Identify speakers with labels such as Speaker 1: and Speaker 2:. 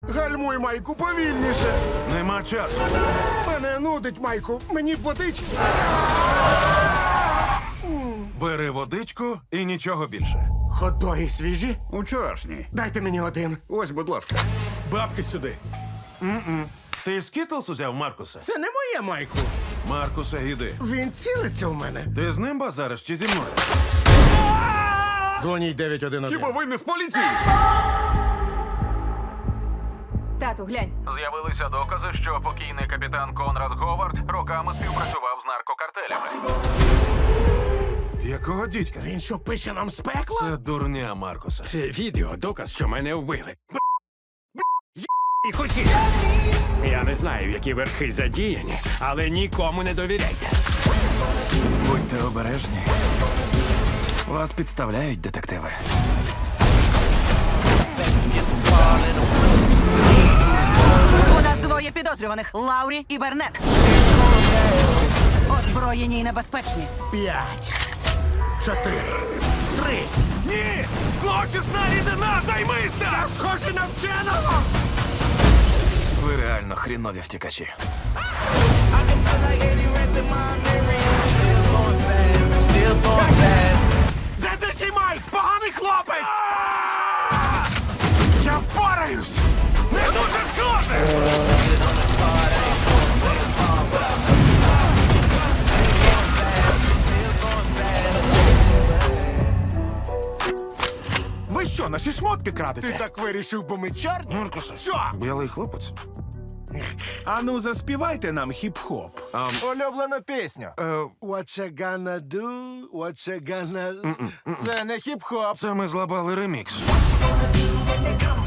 Speaker 1: Гальмуй, Майку, повільніше.
Speaker 2: Нема часу.
Speaker 1: Мене нудить, Майку. Мені б водички.
Speaker 2: Бери водичку і нічого більше.
Speaker 1: Хот-доги свіжі?
Speaker 3: Учорашній.
Speaker 1: Дайте мені один.
Speaker 3: Ось, будь ласка.
Speaker 4: Бабки сюди.
Speaker 2: Ти скітлс узяв, Маркусе?
Speaker 1: Це не моє, Майку.
Speaker 2: Маркусе, іди.
Speaker 1: Він цілиться в мене.
Speaker 2: Ти з ним базариш чи зі мною?
Speaker 1: Дзвоніть 911.
Speaker 3: Хіба ви не з поліції?
Speaker 5: Тату, глянь.
Speaker 6: З'явилися докази, що покійний капітан Конрад Говард роками співпрацював з наркокартелями.
Speaker 2: Якого дідька?
Speaker 1: Він що, пише нам з пекла?
Speaker 2: Це дурня, Маркусе.
Speaker 4: Це відео доказ, що мене вбили. Їх усіх. Я не знаю, які верхи задіяні, але нікому не довіряйте.
Speaker 7: Будьте обережні. Вас підставляють, детективи.
Speaker 8: У нас двоє підозрюваних – Лаурі і Бернет. Озброєні і небезпечні.
Speaker 1: 5, 4, 3.
Speaker 4: Ні! Злочисна рідина, займися!
Speaker 1: Я схожий на вченого!
Speaker 7: Ви реально хрінові втікачі.
Speaker 1: Де такий Майк? Поганий хлопець! Я впораюсь!
Speaker 4: Не дуже схоже!
Speaker 3: Ви що, наші шмотки крадете?
Speaker 1: Ти так вирішив, бо ми чорні?
Speaker 2: Маркусе.
Speaker 1: Що?
Speaker 2: Білий хлопець.
Speaker 3: Ану, заспівайте нам хіп-хоп.
Speaker 9: Улюблену пісню.
Speaker 1: What you gonna do? What you gonna...
Speaker 9: Це не хіп-хоп.
Speaker 2: Це ми злабали ремікс.
Speaker 8: Gonna do when they come